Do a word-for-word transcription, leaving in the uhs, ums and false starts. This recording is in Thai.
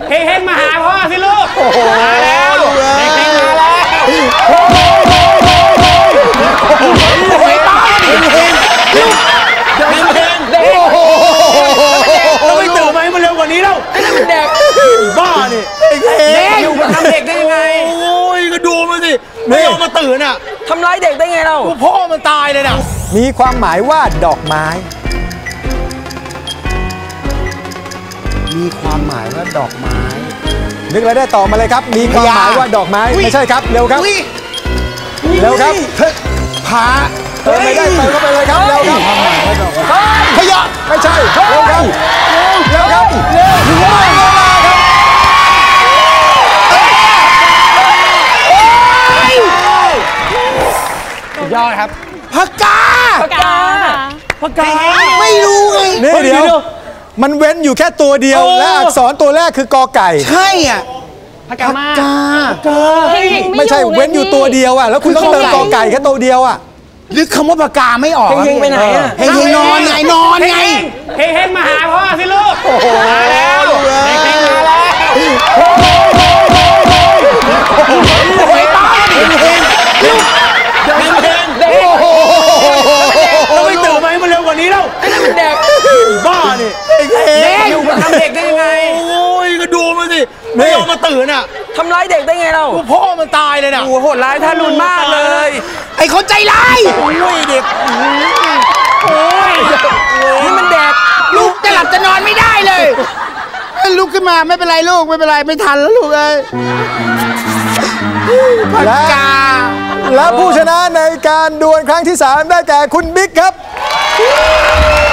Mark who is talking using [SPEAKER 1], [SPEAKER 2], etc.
[SPEAKER 1] เฮงๆมาหาพ่อสิลูกมาแล้วเฮงๆมาแล้วโอ้ยตายเฮงๆเฮงๆเราไม่ตื่นมาให้มันเร็วกว่านี้แล้วไอ้นั่นมันเด็กบ้านี่เด็กอยู่มาทำเด็กได้ยังไงโอ้ยก็ดูมันสิไม่ยอมมาตื่นอ่ะทำร้ายเด็กได้ไงเราพ่อมันตายเลยน่ะ
[SPEAKER 2] มีความหมายว่าดอกไม้มีความหมายว่าดอกไม้นึกอะไรได้ต่อมาเลยครับมีความหมายว่าดอกไม้ไม่ใช่ครับเร็วครับเร็วครับผาเติมไม่ได้เติมเข้าไปเลยครับเร็วครับขยะไม่ใช่เร็วครับเร็วครับเร็วถึงเวลาครับ
[SPEAKER 1] ยอดครับ
[SPEAKER 2] ผักกา
[SPEAKER 3] ผักกา
[SPEAKER 1] ผักกา
[SPEAKER 2] ไม่รู้ไงนี่เดี๋ยวมันเว้นอยู่แค่ตัวเดียวและอักษรตัวแรกคือกอไก่
[SPEAKER 4] ใช่อ่ะ
[SPEAKER 1] ผักกาผักกา
[SPEAKER 2] ไม่ใช่เว้นอยู่ตัวเดียวอ่ะแล้วคุณต้องเติมกอไก่แค่ตัวเดียวอ่ะ
[SPEAKER 4] นึกคำว่าปากกาไม่ออก
[SPEAKER 1] เฮงๆไปไหนอ่ะ
[SPEAKER 4] เฮงๆนอนไงนอนไง
[SPEAKER 1] เฮงๆมาหาพ่อสิลูกมาแล้วเฮงๆมาแล้วโอ้ยตายเฮงๆเฮงๆเราไม่ตื่นมาให้มันเร็วกว่านี้แล้วไอ้นั่นมันเด็กบ้านี่เด็กอยู่มาทำเด็กได้ยังไงโอ้ยก็ดูมันสิไม่ยอมมาตื่นอ่ะทำร้ายเด็กได้ไงเราพ่อมันตายเลยน่ะโอ้โหดร้ายทารุณมากเลย
[SPEAKER 4] ไอ้คนใจร้าย
[SPEAKER 1] โอ้ยเด็กโอ้ยนี่มันเด็ก
[SPEAKER 4] ลูกจะหลับจะนอนไม่ได้เลยลุกขึ้นมาไม่เป็นไรลูกไม่เป็นไรไม่ทันแล้วลูกเอ้ยผักกา
[SPEAKER 2] และผู้ชนะในการดวลครั้งที่สามได้แก่คุณบิ๊กครับ